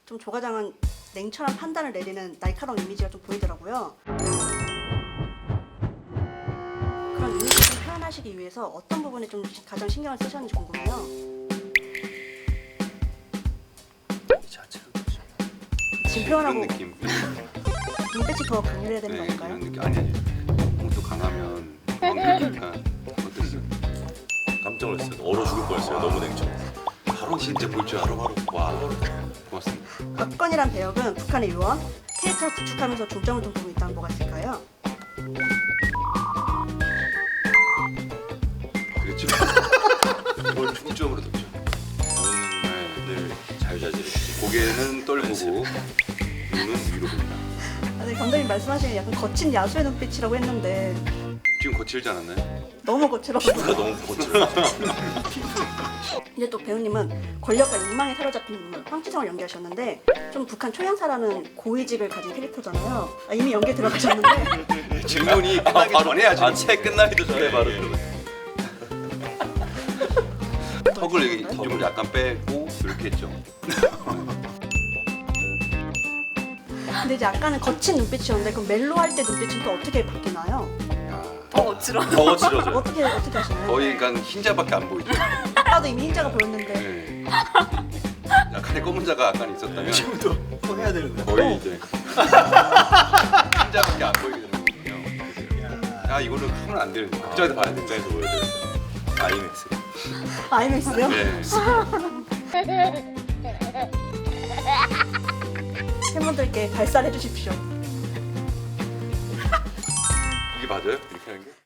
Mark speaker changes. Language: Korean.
Speaker 1: 좀 조과장은 냉철한 판단을 내리는 날카로운 이미지가 좀 보이더라고요. 그런 이미지를 좀 표현하시기 위해서 어떤 부분에 좀 가장 신경을 쓰셨는지 궁금해요.
Speaker 2: 이 자체가
Speaker 1: 지금
Speaker 3: 그런
Speaker 1: 표현하고
Speaker 3: 느낌.
Speaker 1: 눈빛이 더 강렬해야 되는
Speaker 3: 네,
Speaker 1: 건가요?
Speaker 3: 이런 느낌. 아니 공도 강하면 뭔가 어땠어요?
Speaker 2: 깜짝 놀랐어요. 얼어 죽을 뻔했어요. 너무 냉철.
Speaker 3: 바로 진짜 볼 줄 알아. 와, 고맙습니다.
Speaker 1: 박건이란 배역은 북한의 요원, 캐릭터를 구축하면서 중점을 둔 부분이 있다면 뭐가 있을까요?
Speaker 3: 그렇죠. 뭘 중점으로 뒀죠.
Speaker 2: 눈은 늘 자유자재로.
Speaker 3: 고개는 떨구고 눈은 위로 본다.
Speaker 1: 아니, 감독님 말씀하시는 약간 거친 야수의 눈빛이라고 했는데
Speaker 3: 지금 거칠지 않았나요?
Speaker 1: 너무 거칠어
Speaker 2: 피부가
Speaker 1: 보여요.
Speaker 2: 너무 거칠어.
Speaker 1: 이제 또 배우님은 권력과 욕망에 사로잡힌 인물 황치성을 연기하셨는데 좀 북한 초연사라는 고위직을 가진 캐릭터잖아요. 이미 연기 들어가셨는데
Speaker 3: 질문이 끝나기 전에 아주
Speaker 2: 책 끝나기도 전에 바로 들어.
Speaker 3: 턱을 여기 좀 약간 빼고 이렇게 했죠.
Speaker 1: 근데 이제 아까는 거친 눈빛이었는데 그럼 멜로 할 때 눈빛은 또 어떻게 바뀌나요?
Speaker 3: 야,
Speaker 2: 더 거칠어져요.
Speaker 1: 어떻게 하시나요?
Speaker 3: 거의 그러니까 흰자밖에 안 보이죠.
Speaker 1: 아까도 이미 흰자가 보였는데
Speaker 3: 네. 약간의 검은 자가 약간 있었다면
Speaker 4: 지금도 해야 되는 거야.
Speaker 3: 거의 이제 흰자밖에 안 보이게 되거든요. 야 이거는 하면 안 되는 거야. 극장에서 봐야 돼.
Speaker 2: 극장에서 보여드려요. 아이맥스.
Speaker 1: 아이맥스요?
Speaker 3: 네.
Speaker 1: 팬분들께 발산해 주십시오.
Speaker 3: 이게 맞아요? 이렇게 하는 게?